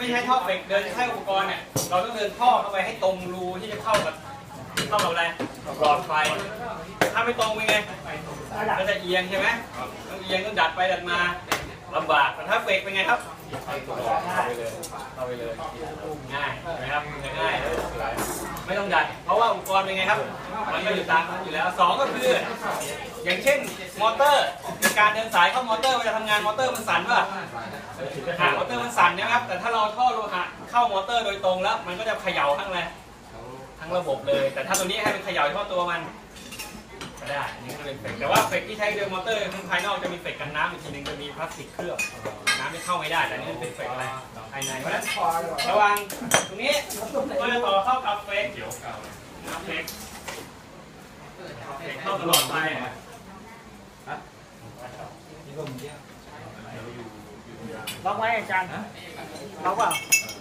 ที่ใช้ท่อเฟกเดินใช้อุปกรณ์เนี่ยเราต้องเดินท่อเข้าไปให้ตรงรูที่จะเข้ากับอะไรหลอดไฟถ้าไม่ตรงเป็นไงก็จะเอียงใช่ไหมต้องเอียงต้องดัดไปดัดมาลำบากแต่ถ้าเฟกเป็นไงครับเข้าไปเลยง่ายใช่ไหมครับง่ายไม่ต้องดัดเพราะว่าอุปกรณ์เป็นไงครับมันก็อยู่ตามนั้นอยู่แล้วสองก็คืออย่างเช่นมอเตอร์การเดินสายเข้ามอเตอร์เวลาทำงานมอเตอร์มันสั่นป่ะมอเตอร์มันสั่นนะครับแต่ถ้าเราท่อโลหะเข้ามอเตอร์โดยตรงแล้วมันก็จะเขย่าทั้งระบบเลยแต่ถ้าตัวนี้ให้มันเขย่าเฉพาะตัวมันก็ได้นี่ก็เป็นเฟกแต่ว่าเฟกที่ใช้เดินมอเตอร์ข้างภายนอกจะมีเฟกกันน้ำอีกทีนึงจะมีพลาสติกเคลือบน้ำไม่เข้าไม่ได้แต่นี่เป็นเฟกอะไรภายในเพราะฉะนั้นระวังตรงนี้ก็จะต่อเข้ากับเฟกเฟกเข้าตลอดไปล็อกไว้อาจารย์ล็อกเปล่า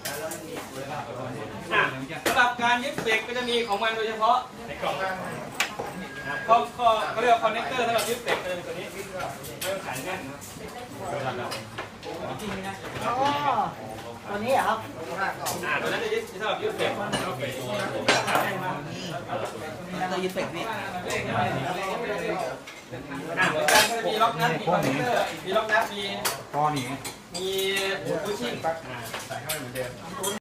สำหรับการยึดเฟกก็จะมีของมันโดยเฉพาะในกล่องเขาเรียกว่าคอนเนคเตอร์สำหรับยึดเฟกจะเป็นตัวนี้ไม่ต้องขายแน่นตัวนี้เหรอครับตัวนั้นจะยึดสำหรับยึดเฟกตัวยึดเฟกนี่เหมือนกันก็จะมีล็อกนัทมีคอนเนคเตอร์มีล็อกนัทมีก้อนนี้มีบูชิ่งใส่เข้าไปเหมือนเดิม